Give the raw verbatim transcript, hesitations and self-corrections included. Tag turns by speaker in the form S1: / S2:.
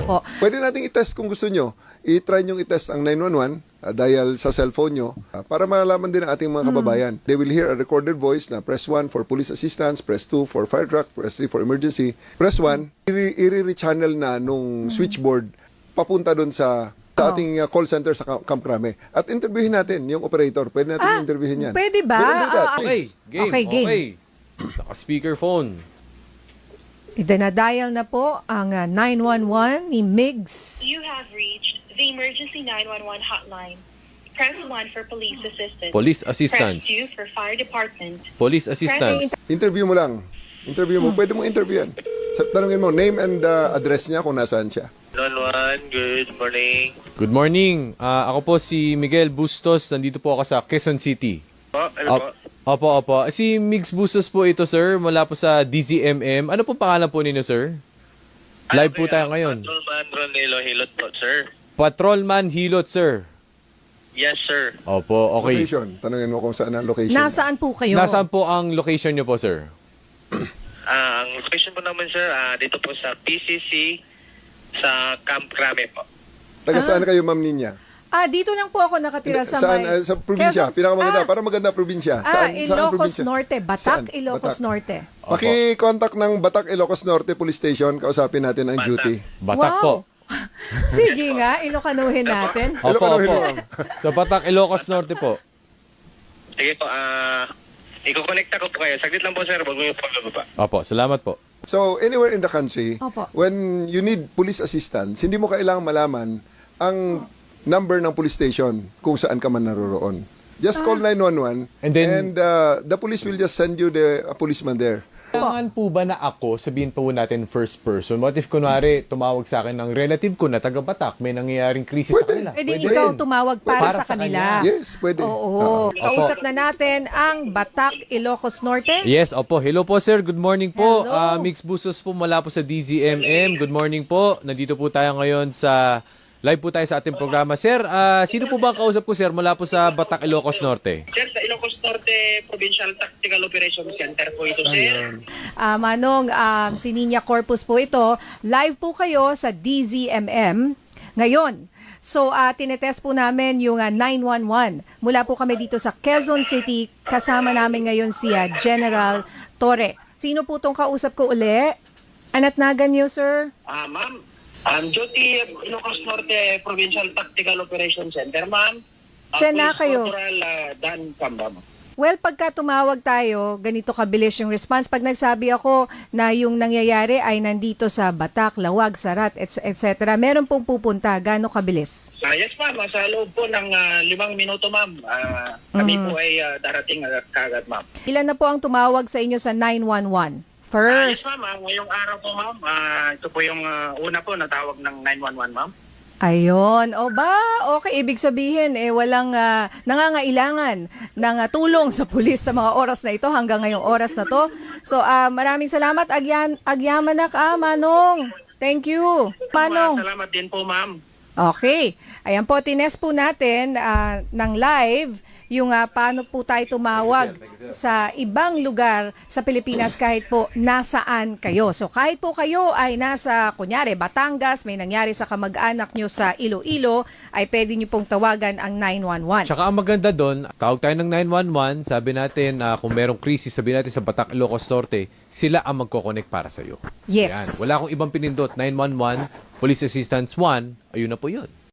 S1: Opo.
S2: Pwede nating i-test kung gusto nyo. I-try nyo i-test ang nine one one uh, dial sa cellphone nyo uh, para malaman din ang ating mga kababayan. They will hear a recorded voice na press one for police assistance, press two for fire truck, press three for emergency. Press one, i-re-channel na nung switchboard papunta doon sa sa
S1: Oh.
S2: ating uh, call center sa Camp Camp Crame. At interviewin natin yung operator. Pwede natin
S1: Ah,
S2: interviewin yan.
S1: pwede ba?
S2: We will do that,
S1: Ah,
S3: Okay,
S2: please.
S3: game.
S1: Okay, game.
S3: Okay. Naka-speakerphone.
S1: Itinadial na po ang uh, nine one one ni Migs.
S4: You have reached the emergency nine one one hotline. Press one for police assistance.
S3: Police assistance.
S4: Press two for fire department.
S3: Police assistance.
S2: Interview mo lang. Interview mo. Pwede mo interview yan. Sa- Tanungin mo, name and uh, address niya kung nasaan siya.
S5: nine one one, good morning.
S3: Good morning. Ah, ako po si Miguel Bustos. Nandito po ako sa Quezon City.
S5: Po, ano
S3: Op-
S5: po?
S3: Opo, opo. Si Migs Bustos po ito, sir. Mula po sa D Z M M. Ano po pangalan po ninyo, sir? Live po tayo ngayon.
S5: Patrolman Ronelo Hilot po, sir.
S3: Patrolman Hilot, sir.
S5: Yes, sir.
S3: Opo, okay.
S2: Location. Tanungin mo kung saan ang location.
S1: Nasaan po kayo?
S3: Nasaan po ang location nyo po, sir?
S5: Ah, ang location po naman, sir, ah, dito po sa P C C sa Camp Crame po.
S2: Taga saan kayo, Ma'am Ninya?
S1: Ah, dito lang po ako nakatira sa
S2: saan,
S1: may...
S2: uh, sa probinsya.
S1: Quezon-
S2: Pinakamaganda.
S1: Ah,
S2: para maganda probinsya.
S1: Ah,
S2: Saan, saan
S1: Ilocos
S2: probinsya?
S1: Norte. Batak,
S2: Saan?
S1: Ilocos
S2: Batak.
S1: Norte.
S2: Paki-contact ng Batak Ilocos Norte Police Station. Kausapin natin ang
S5: Batak.
S2: duty.
S3: Batak
S1: Wow.
S3: po.
S1: Sige nga, ilokanuhin natin.
S3: Opo,
S2: Ilocano,
S3: opo.
S2: Ilocano.
S3: Sa Batak, Ilocos Norte po.
S5: Sige po, ah, iko-connecta ko po kayo. Saglit lang po, sir. Wag mo yung follow pa.
S3: Opo, salamat po.
S2: So, anywhere in the country,
S1: Opo.
S2: when you need police assistance, hindi mo kailangang malaman ang number ng police station kung saan ka man naroroon. Just call nine one one
S3: And then-
S2: uh, the police will just send you the a policeman there.
S3: Kailangan po ba na ako, sabihin po natin first person, what if kunwari tumawag sa akin ng relative ko na taga Batak, may nangyayaring krisis sa
S2: Pwede.
S3: kanila?
S1: Eh di
S3: Pwede
S1: ikaw
S3: rin.
S1: tumawag para,
S3: Para
S1: sa
S3: sa
S1: kanila.
S3: kanya.
S2: Yes, pwede.
S1: Oo.
S2: Ah.
S1: Kausap na natin ang Batak, Ilocos Norte.
S3: Yes, opo. Hello po, sir. Good morning po.
S1: Hello.
S3: Ah, Mix Busos po mula po sa D Z M M. Good morning po. Nandito po tayo ngayon sa live po tayo sa ating programa. Sir, ah, sino po ba ang kausap ko, sir, mula po sa Batak, Ilocos Norte?
S5: Sir, sa Ilocos Norte Provincial Tactical Operations Center po ito, sir.
S1: Ah, Manong, um, si Ninya Corpus po ito. Live po kayo sa D Z M M ngayon. So, uh, tinetest po namin yung uh, nine one one. Mula po kami dito sa Quezon City. Kasama namin ngayon si uh, General Torre. Sino po tong kausap ko uli? Anatnagan niyo, sir?
S5: Ah, ma'am. Um, duty Ilocos Norte Provincial Tactical Operations Center, ma'am. Ah,
S1: Siya na
S5: Police
S1: kayo.
S5: Corporal ah, Dan Camba, ma'am.
S1: Well, pagka tumawag tayo, ganito kabilis yung response. Pag nagsabi ako na yung nangyayari ay nandito sa Batak, Lawag, Sarat, et cetera, meron pong pupunta. Gaano kabilis?
S5: Ah, yes, ma'am. Ah, Sa loob po ng ah, limang minuto, ma'am. Ah, kami
S1: Mm.
S5: po ay ah, darating agad kagad, ma'am.
S1: Ilan na po ang tumawag sa inyo sa nine one one?
S5: Ah, yes,
S1: First.
S5: ma'am. Ah, ngayong araw po, ma'am. Ah, ito po yung ah, una po na tawag ng nine one one, ma'am.
S1: Ayun. O ba, okay. Ibig sabihin, eh, walang ah, nangangailangan ng ah, tulong sa pulis sa mga oras na ito hanggang ngayong oras na to. So, ah, maraming salamat. Agyan, agyamanak, ah, Manong. Thank you.
S5: Ah,
S1: Manong.
S5: salamat din po, ma'am.
S1: Okay. Ayan po, tinest po natin ah, ng live yung ah, paano po tayo tumawag sa ibang lugar sa Pilipinas kahit po nasaan kayo. So kahit po kayo ay nasa, kunyari, Batangas, may nangyari sa kamag-anak nyo sa Iloilo, ay pwede nyo pong tawagan ang nine one one.
S3: Tsaka ang maganda doon, tawag tayo ng nine one one, sabi natin na kung merong krisis, sabi natin sa Batak, Ilocos Norte, sila ang magkoconnect para sa'yo.
S1: Yes.
S3: Yan. Wala akong ibang pinindot. nine one one, Police Assistance one, ayun na po yun.